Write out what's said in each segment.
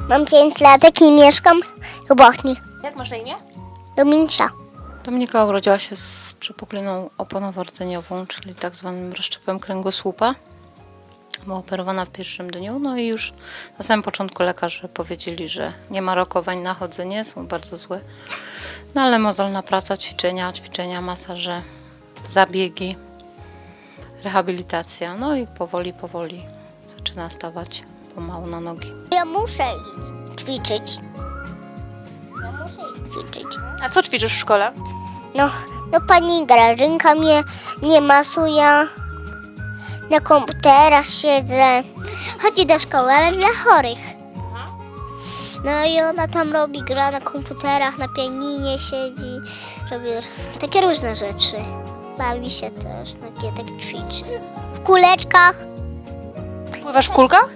Mam 5 latek i mieszkam w Bochni. Jak masz na imię? Dominicza. Dominika urodziła się z przepukliną oponowo-rdzeniową, czyli tak zwanym rozszczepem kręgosłupa. Była operowana w pierwszym dniu, no i już na samym początku lekarze powiedzieli, że nie ma rokowań na chodzenie, są bardzo złe. No ale mozolna praca, ćwiczenia, masaże, zabiegi, rehabilitacja. No i powoli zaczyna stawać pomału na nogi. Ja muszę iść ćwiczyć. Ja muszę iść ćwiczyć. A co ćwiczysz w szkole? No pani Grażynka mnie nie masuje. Na komputerach siedzę. Chodzi do szkoły, ale dla chorych. No i ona tam gra na komputerach, na pianinie siedzi. Robi takie różne rzeczy. Bawi się też, tak ćwiczy. W kuleczkach. Pływasz w kulkach?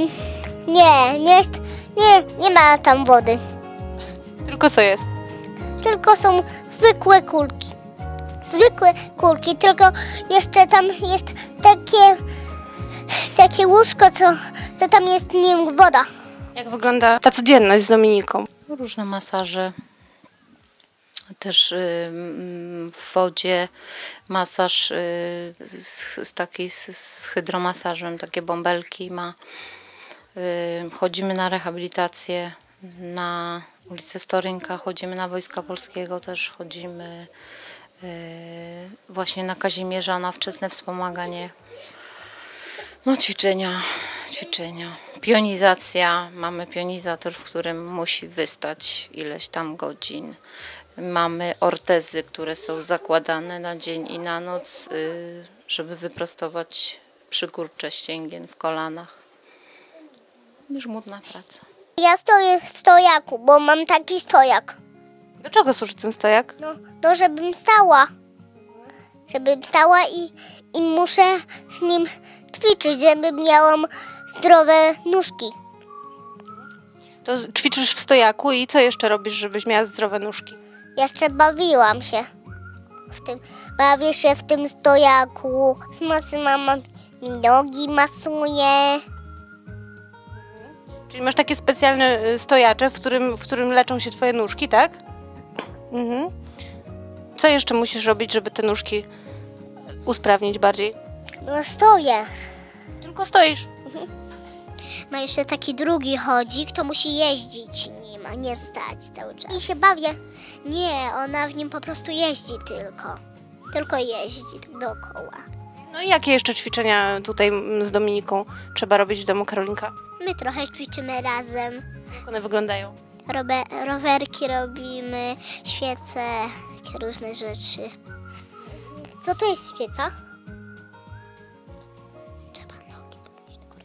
Nie ma tam wody. Tylko co jest? Tylko są zwykłe kulki. Zwykłe kulki, tylko jeszcze tam jest takie łóżko, co tam jest w nim woda. Jak wygląda ta codzienność z Dominiką? Różne masaże, też w wodzie masaż z hydromasażem, takie bąbelki ma. Chodzimy na rehabilitację na ulicę Storynka, chodzimy na Wojska Polskiego, też chodzimy właśnie na Kazimierza, na wczesne wspomaganie. No ćwiczenia. Pionizacja. Mamy pionizator, w którym musi wystać ileś tam godzin. Mamy ortezy, które są zakładane na dzień i na noc, żeby wyprostować przykurcze ścięgien w kolanach. Żmudna praca. Ja stoję w stojaku, bo mam taki stojak. Do czego służy ten stojak? No żebym stała. I muszę z nim ćwiczyć, żeby miałam zdrowe nóżki. To ćwiczysz w stojaku i co jeszcze robisz, żebyś miała zdrowe nóżki? Jeszcze bawiłam się w tym. Bawię się w tym stojaku. W nocy mama mi nogi masuje. Czyli masz takie specjalne stojacze, w którym leczą się twoje nóżki, tak? Mhm. Co jeszcze musisz robić, żeby te nóżki usprawnić bardziej? No stoję. Tylko stoisz. Ma jeszcze taki drugi chodzik, to musi jeździć nim, a nie stać cały czas. I się bawię. Nie, ona w nim po prostu jeździ tylko. Tylko jeździ dookoła. No i jakie jeszcze ćwiczenia tutaj z Dominiką trzeba robić w domu Karolinka? My trochę ćwiczymy razem. Jak one wyglądają? Rowerki robimy, świece, takie różne rzeczy. Co to jest świeca? Trzeba nogi podnieść do góry.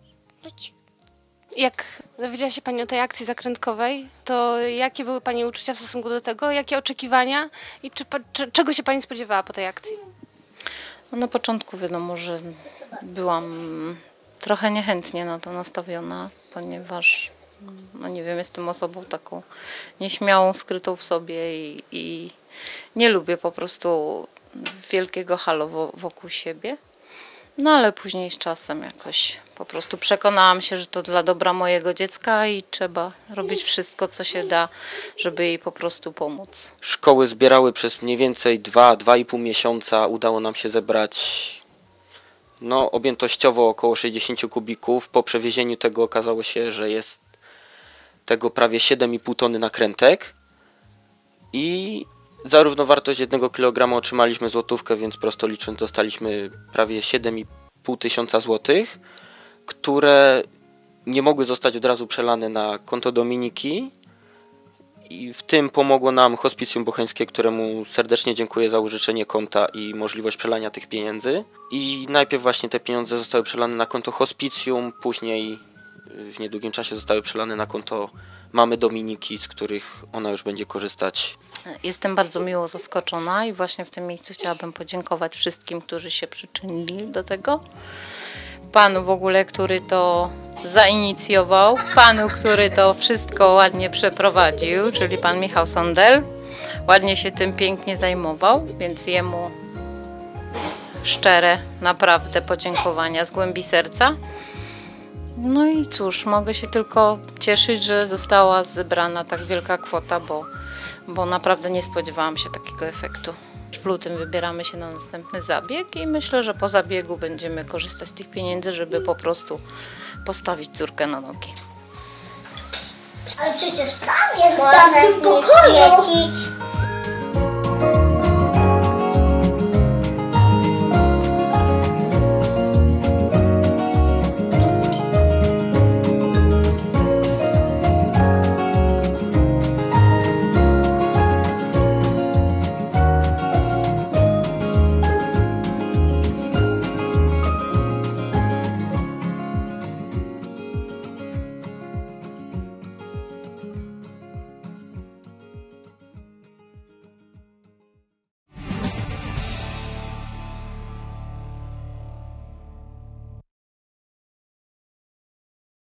Jak dowiedziała się Pani o tej akcji zakrętkowej, to jakie były Pani uczucia w stosunku do tego? Jakie oczekiwania i czego się Pani spodziewała po tej akcji? No na początku wiadomo, że byłam trochę niechętnie na to nastawiona, ponieważ no nie wiem, jestem osobą taką nieśmiałą, skrytą w sobie i nie lubię po prostu wielkiego halo wokół siebie. No ale później z czasem jakoś po prostu przekonałam się, że to dla dobra mojego dziecka i trzeba robić wszystko, co się da, żeby jej po prostu pomóc. Szkoły zbierały przez mniej więcej 2–2,5 miesiąca. Udało nam się zebrać objętościowo około 60 kubików. Po przewiezieniu tego okazało się, że jest tego prawie 7,5 tony nakrętek i za równowartość 1 kg otrzymaliśmy złotówkę, więc prosto licząc dostaliśmy prawie 7,5 tysiąca złotych, które nie mogły zostać od razu przelane na konto Dominiki i w tym pomogło nam Hospicjum Bocheńskie, któremu serdecznie dziękuję za użyczenie konta i możliwość przelania tych pieniędzy. I najpierw właśnie te pieniądze zostały przelane na konto Hospicjum, później w niedługim czasie zostały przelane na konto mamy Dominiki, z których ona już będzie korzystać. Jestem bardzo miło zaskoczona i właśnie w tym miejscu chciałabym podziękować wszystkim, którzy się przyczynili do tego. Panu w ogóle, który to zainicjował, panu, który to wszystko ładnie przeprowadził, czyli pan Michał Sondel. Ładnie się tym pięknie zajmował, więc jemu szczere naprawdę podziękowania z głębi serca. No i cóż, mogę się tylko cieszyć, że została zebrana tak wielka kwota, bo naprawdę nie spodziewałam się takiego efektu. W lutym wybieramy się na następny zabieg i myślę, że po zabiegu będziemy korzystać z tych pieniędzy, żeby po prostu postawić córkę na nogi. Ale przecież tam jest możesz nie świecić.